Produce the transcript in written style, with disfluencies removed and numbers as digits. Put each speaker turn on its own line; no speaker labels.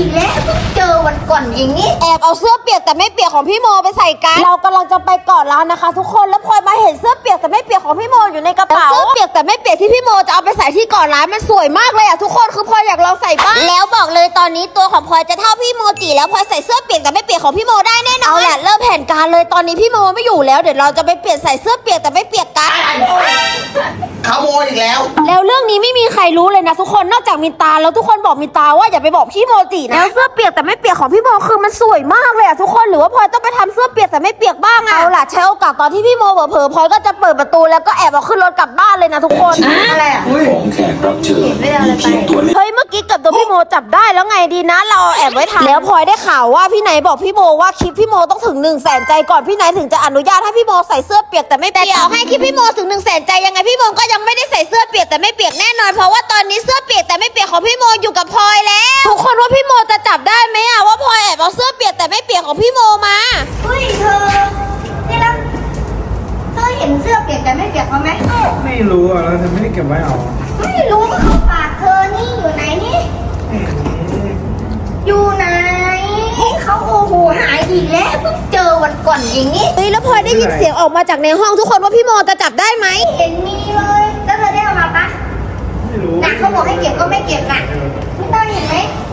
อีกแล้วเจอวันก่อนเองนี่
แอบเอาเสื้อเปียกแต่ไม่เปียกของพี่โมไปใส่กันเรากำลังจะไปเกาะล้านนะคะ ทุกคนแล้วพลอยมาเห็นเสื้อเปียกแต่ไม่เปียกของพี่โมอยู่ในกระเป๋าเสื้อเปียกแต่ไม่เปียกที่พี่โมจะเอาไปใส่ที่เกาะล้านมันสวยมากเลยอ่ะทุกคนคือพลอยอยากลองใส่บ้างแล้วบอกเลยตอนนี้ตัวของพลอยจะเท่าพี่โมจิแล้วพลอยใส่เสื้อเปียกแต่ไม่เปียกของพี่โมได้แน่นอนเอาแหละเริ่มแผนการเลยตอนนี้พี่โมไม่อยู่แล้วเดี๋ยวเราจะไปเปลี่ยนใส่เสื้อเปียกแต่ไม่เปียกกัน
ขโมยอีกแล้ว
แล้วเรื่องนี้ไม่มีใครรู้เลยนะทุกคนนอกจากมินตาแล้วทุกคนบอกมินตาว่าอย่าไปบอกพี่โมจินะแล้วเสื้อเปียกแต่ไม่เปียกของพี่โมคือมันสวยมากเลยอะทุกคนหรือว่าพลอยต้องไปทำเสื้อเปียกแต่ไม่เปียกบ้างอะเอาล่ะใช้โอกาสตอนที่พี่โมเผลอๆพลอยก็จะเปิดประตูแล้วก็แอบเอาขึ้นรถกลับบ้านเลยนะทุกคน
อะไรอ่ะ
ของแขกรับเชิญมีเพียงตัวเลข
เฮ้ยเมื่อกี้กับตัวพี่โมจับได้แล้วไงดีนะเราแอบไว้ทันแล้วพลอยได้ข่าวว่าพี่ไหนบอกพี่โมว่าคลิปพี่โมต้องถึง100,000 ใจก่อนพี่ไหนถึงจะอนุญาตให้พี่โมใส่เสื้อเปียกแต่ไม่เปียกแต่ต่อให้คลิปพี่โมถึง100,000 ใจยังไงพี่โมก็ยังไม่ได้ใส่เสื้อเปียกแต่ไม่เปียกแน่นอนเพราะว่าตอนนี้เสื้อเปียกแต่ไม่เปียกของพี่โมอยู่กับพลอยแล้วทุกคนว่าพี่โมจะจับได้ไหมอะว่าพลอยแอบเอาเสื้อเปียกแต่ไม่เปียกของพี่โมมา
เฮ้ยเธอนี่นะเธอเห็นเสื้อเปียกแต่ไม่เปียกเขาไหม
ไม่รู้อ่ะเราจะไม่ได้เก็บไว้เอา
ไม่รู้ว่าเขาฝากเธอนี่อยู่ไหนนี่ อยู่ไหนเขาโอ้โหหายอีกแล้วเพิ่งเจอวันก่อนเองนี่
เฮ้ยแล้วพลอยได้ยินเสียงออกมาจากในห้องทุกคนว่าพี่โมจะจับได้ไหม
ไม่เห็นมีเลยแล้วเธอได้เอามาปะ
ไม่รู้
นะเขาบอกให้เก็บก็ไม่เก็บน่ะไม่ต้องเห็นไหม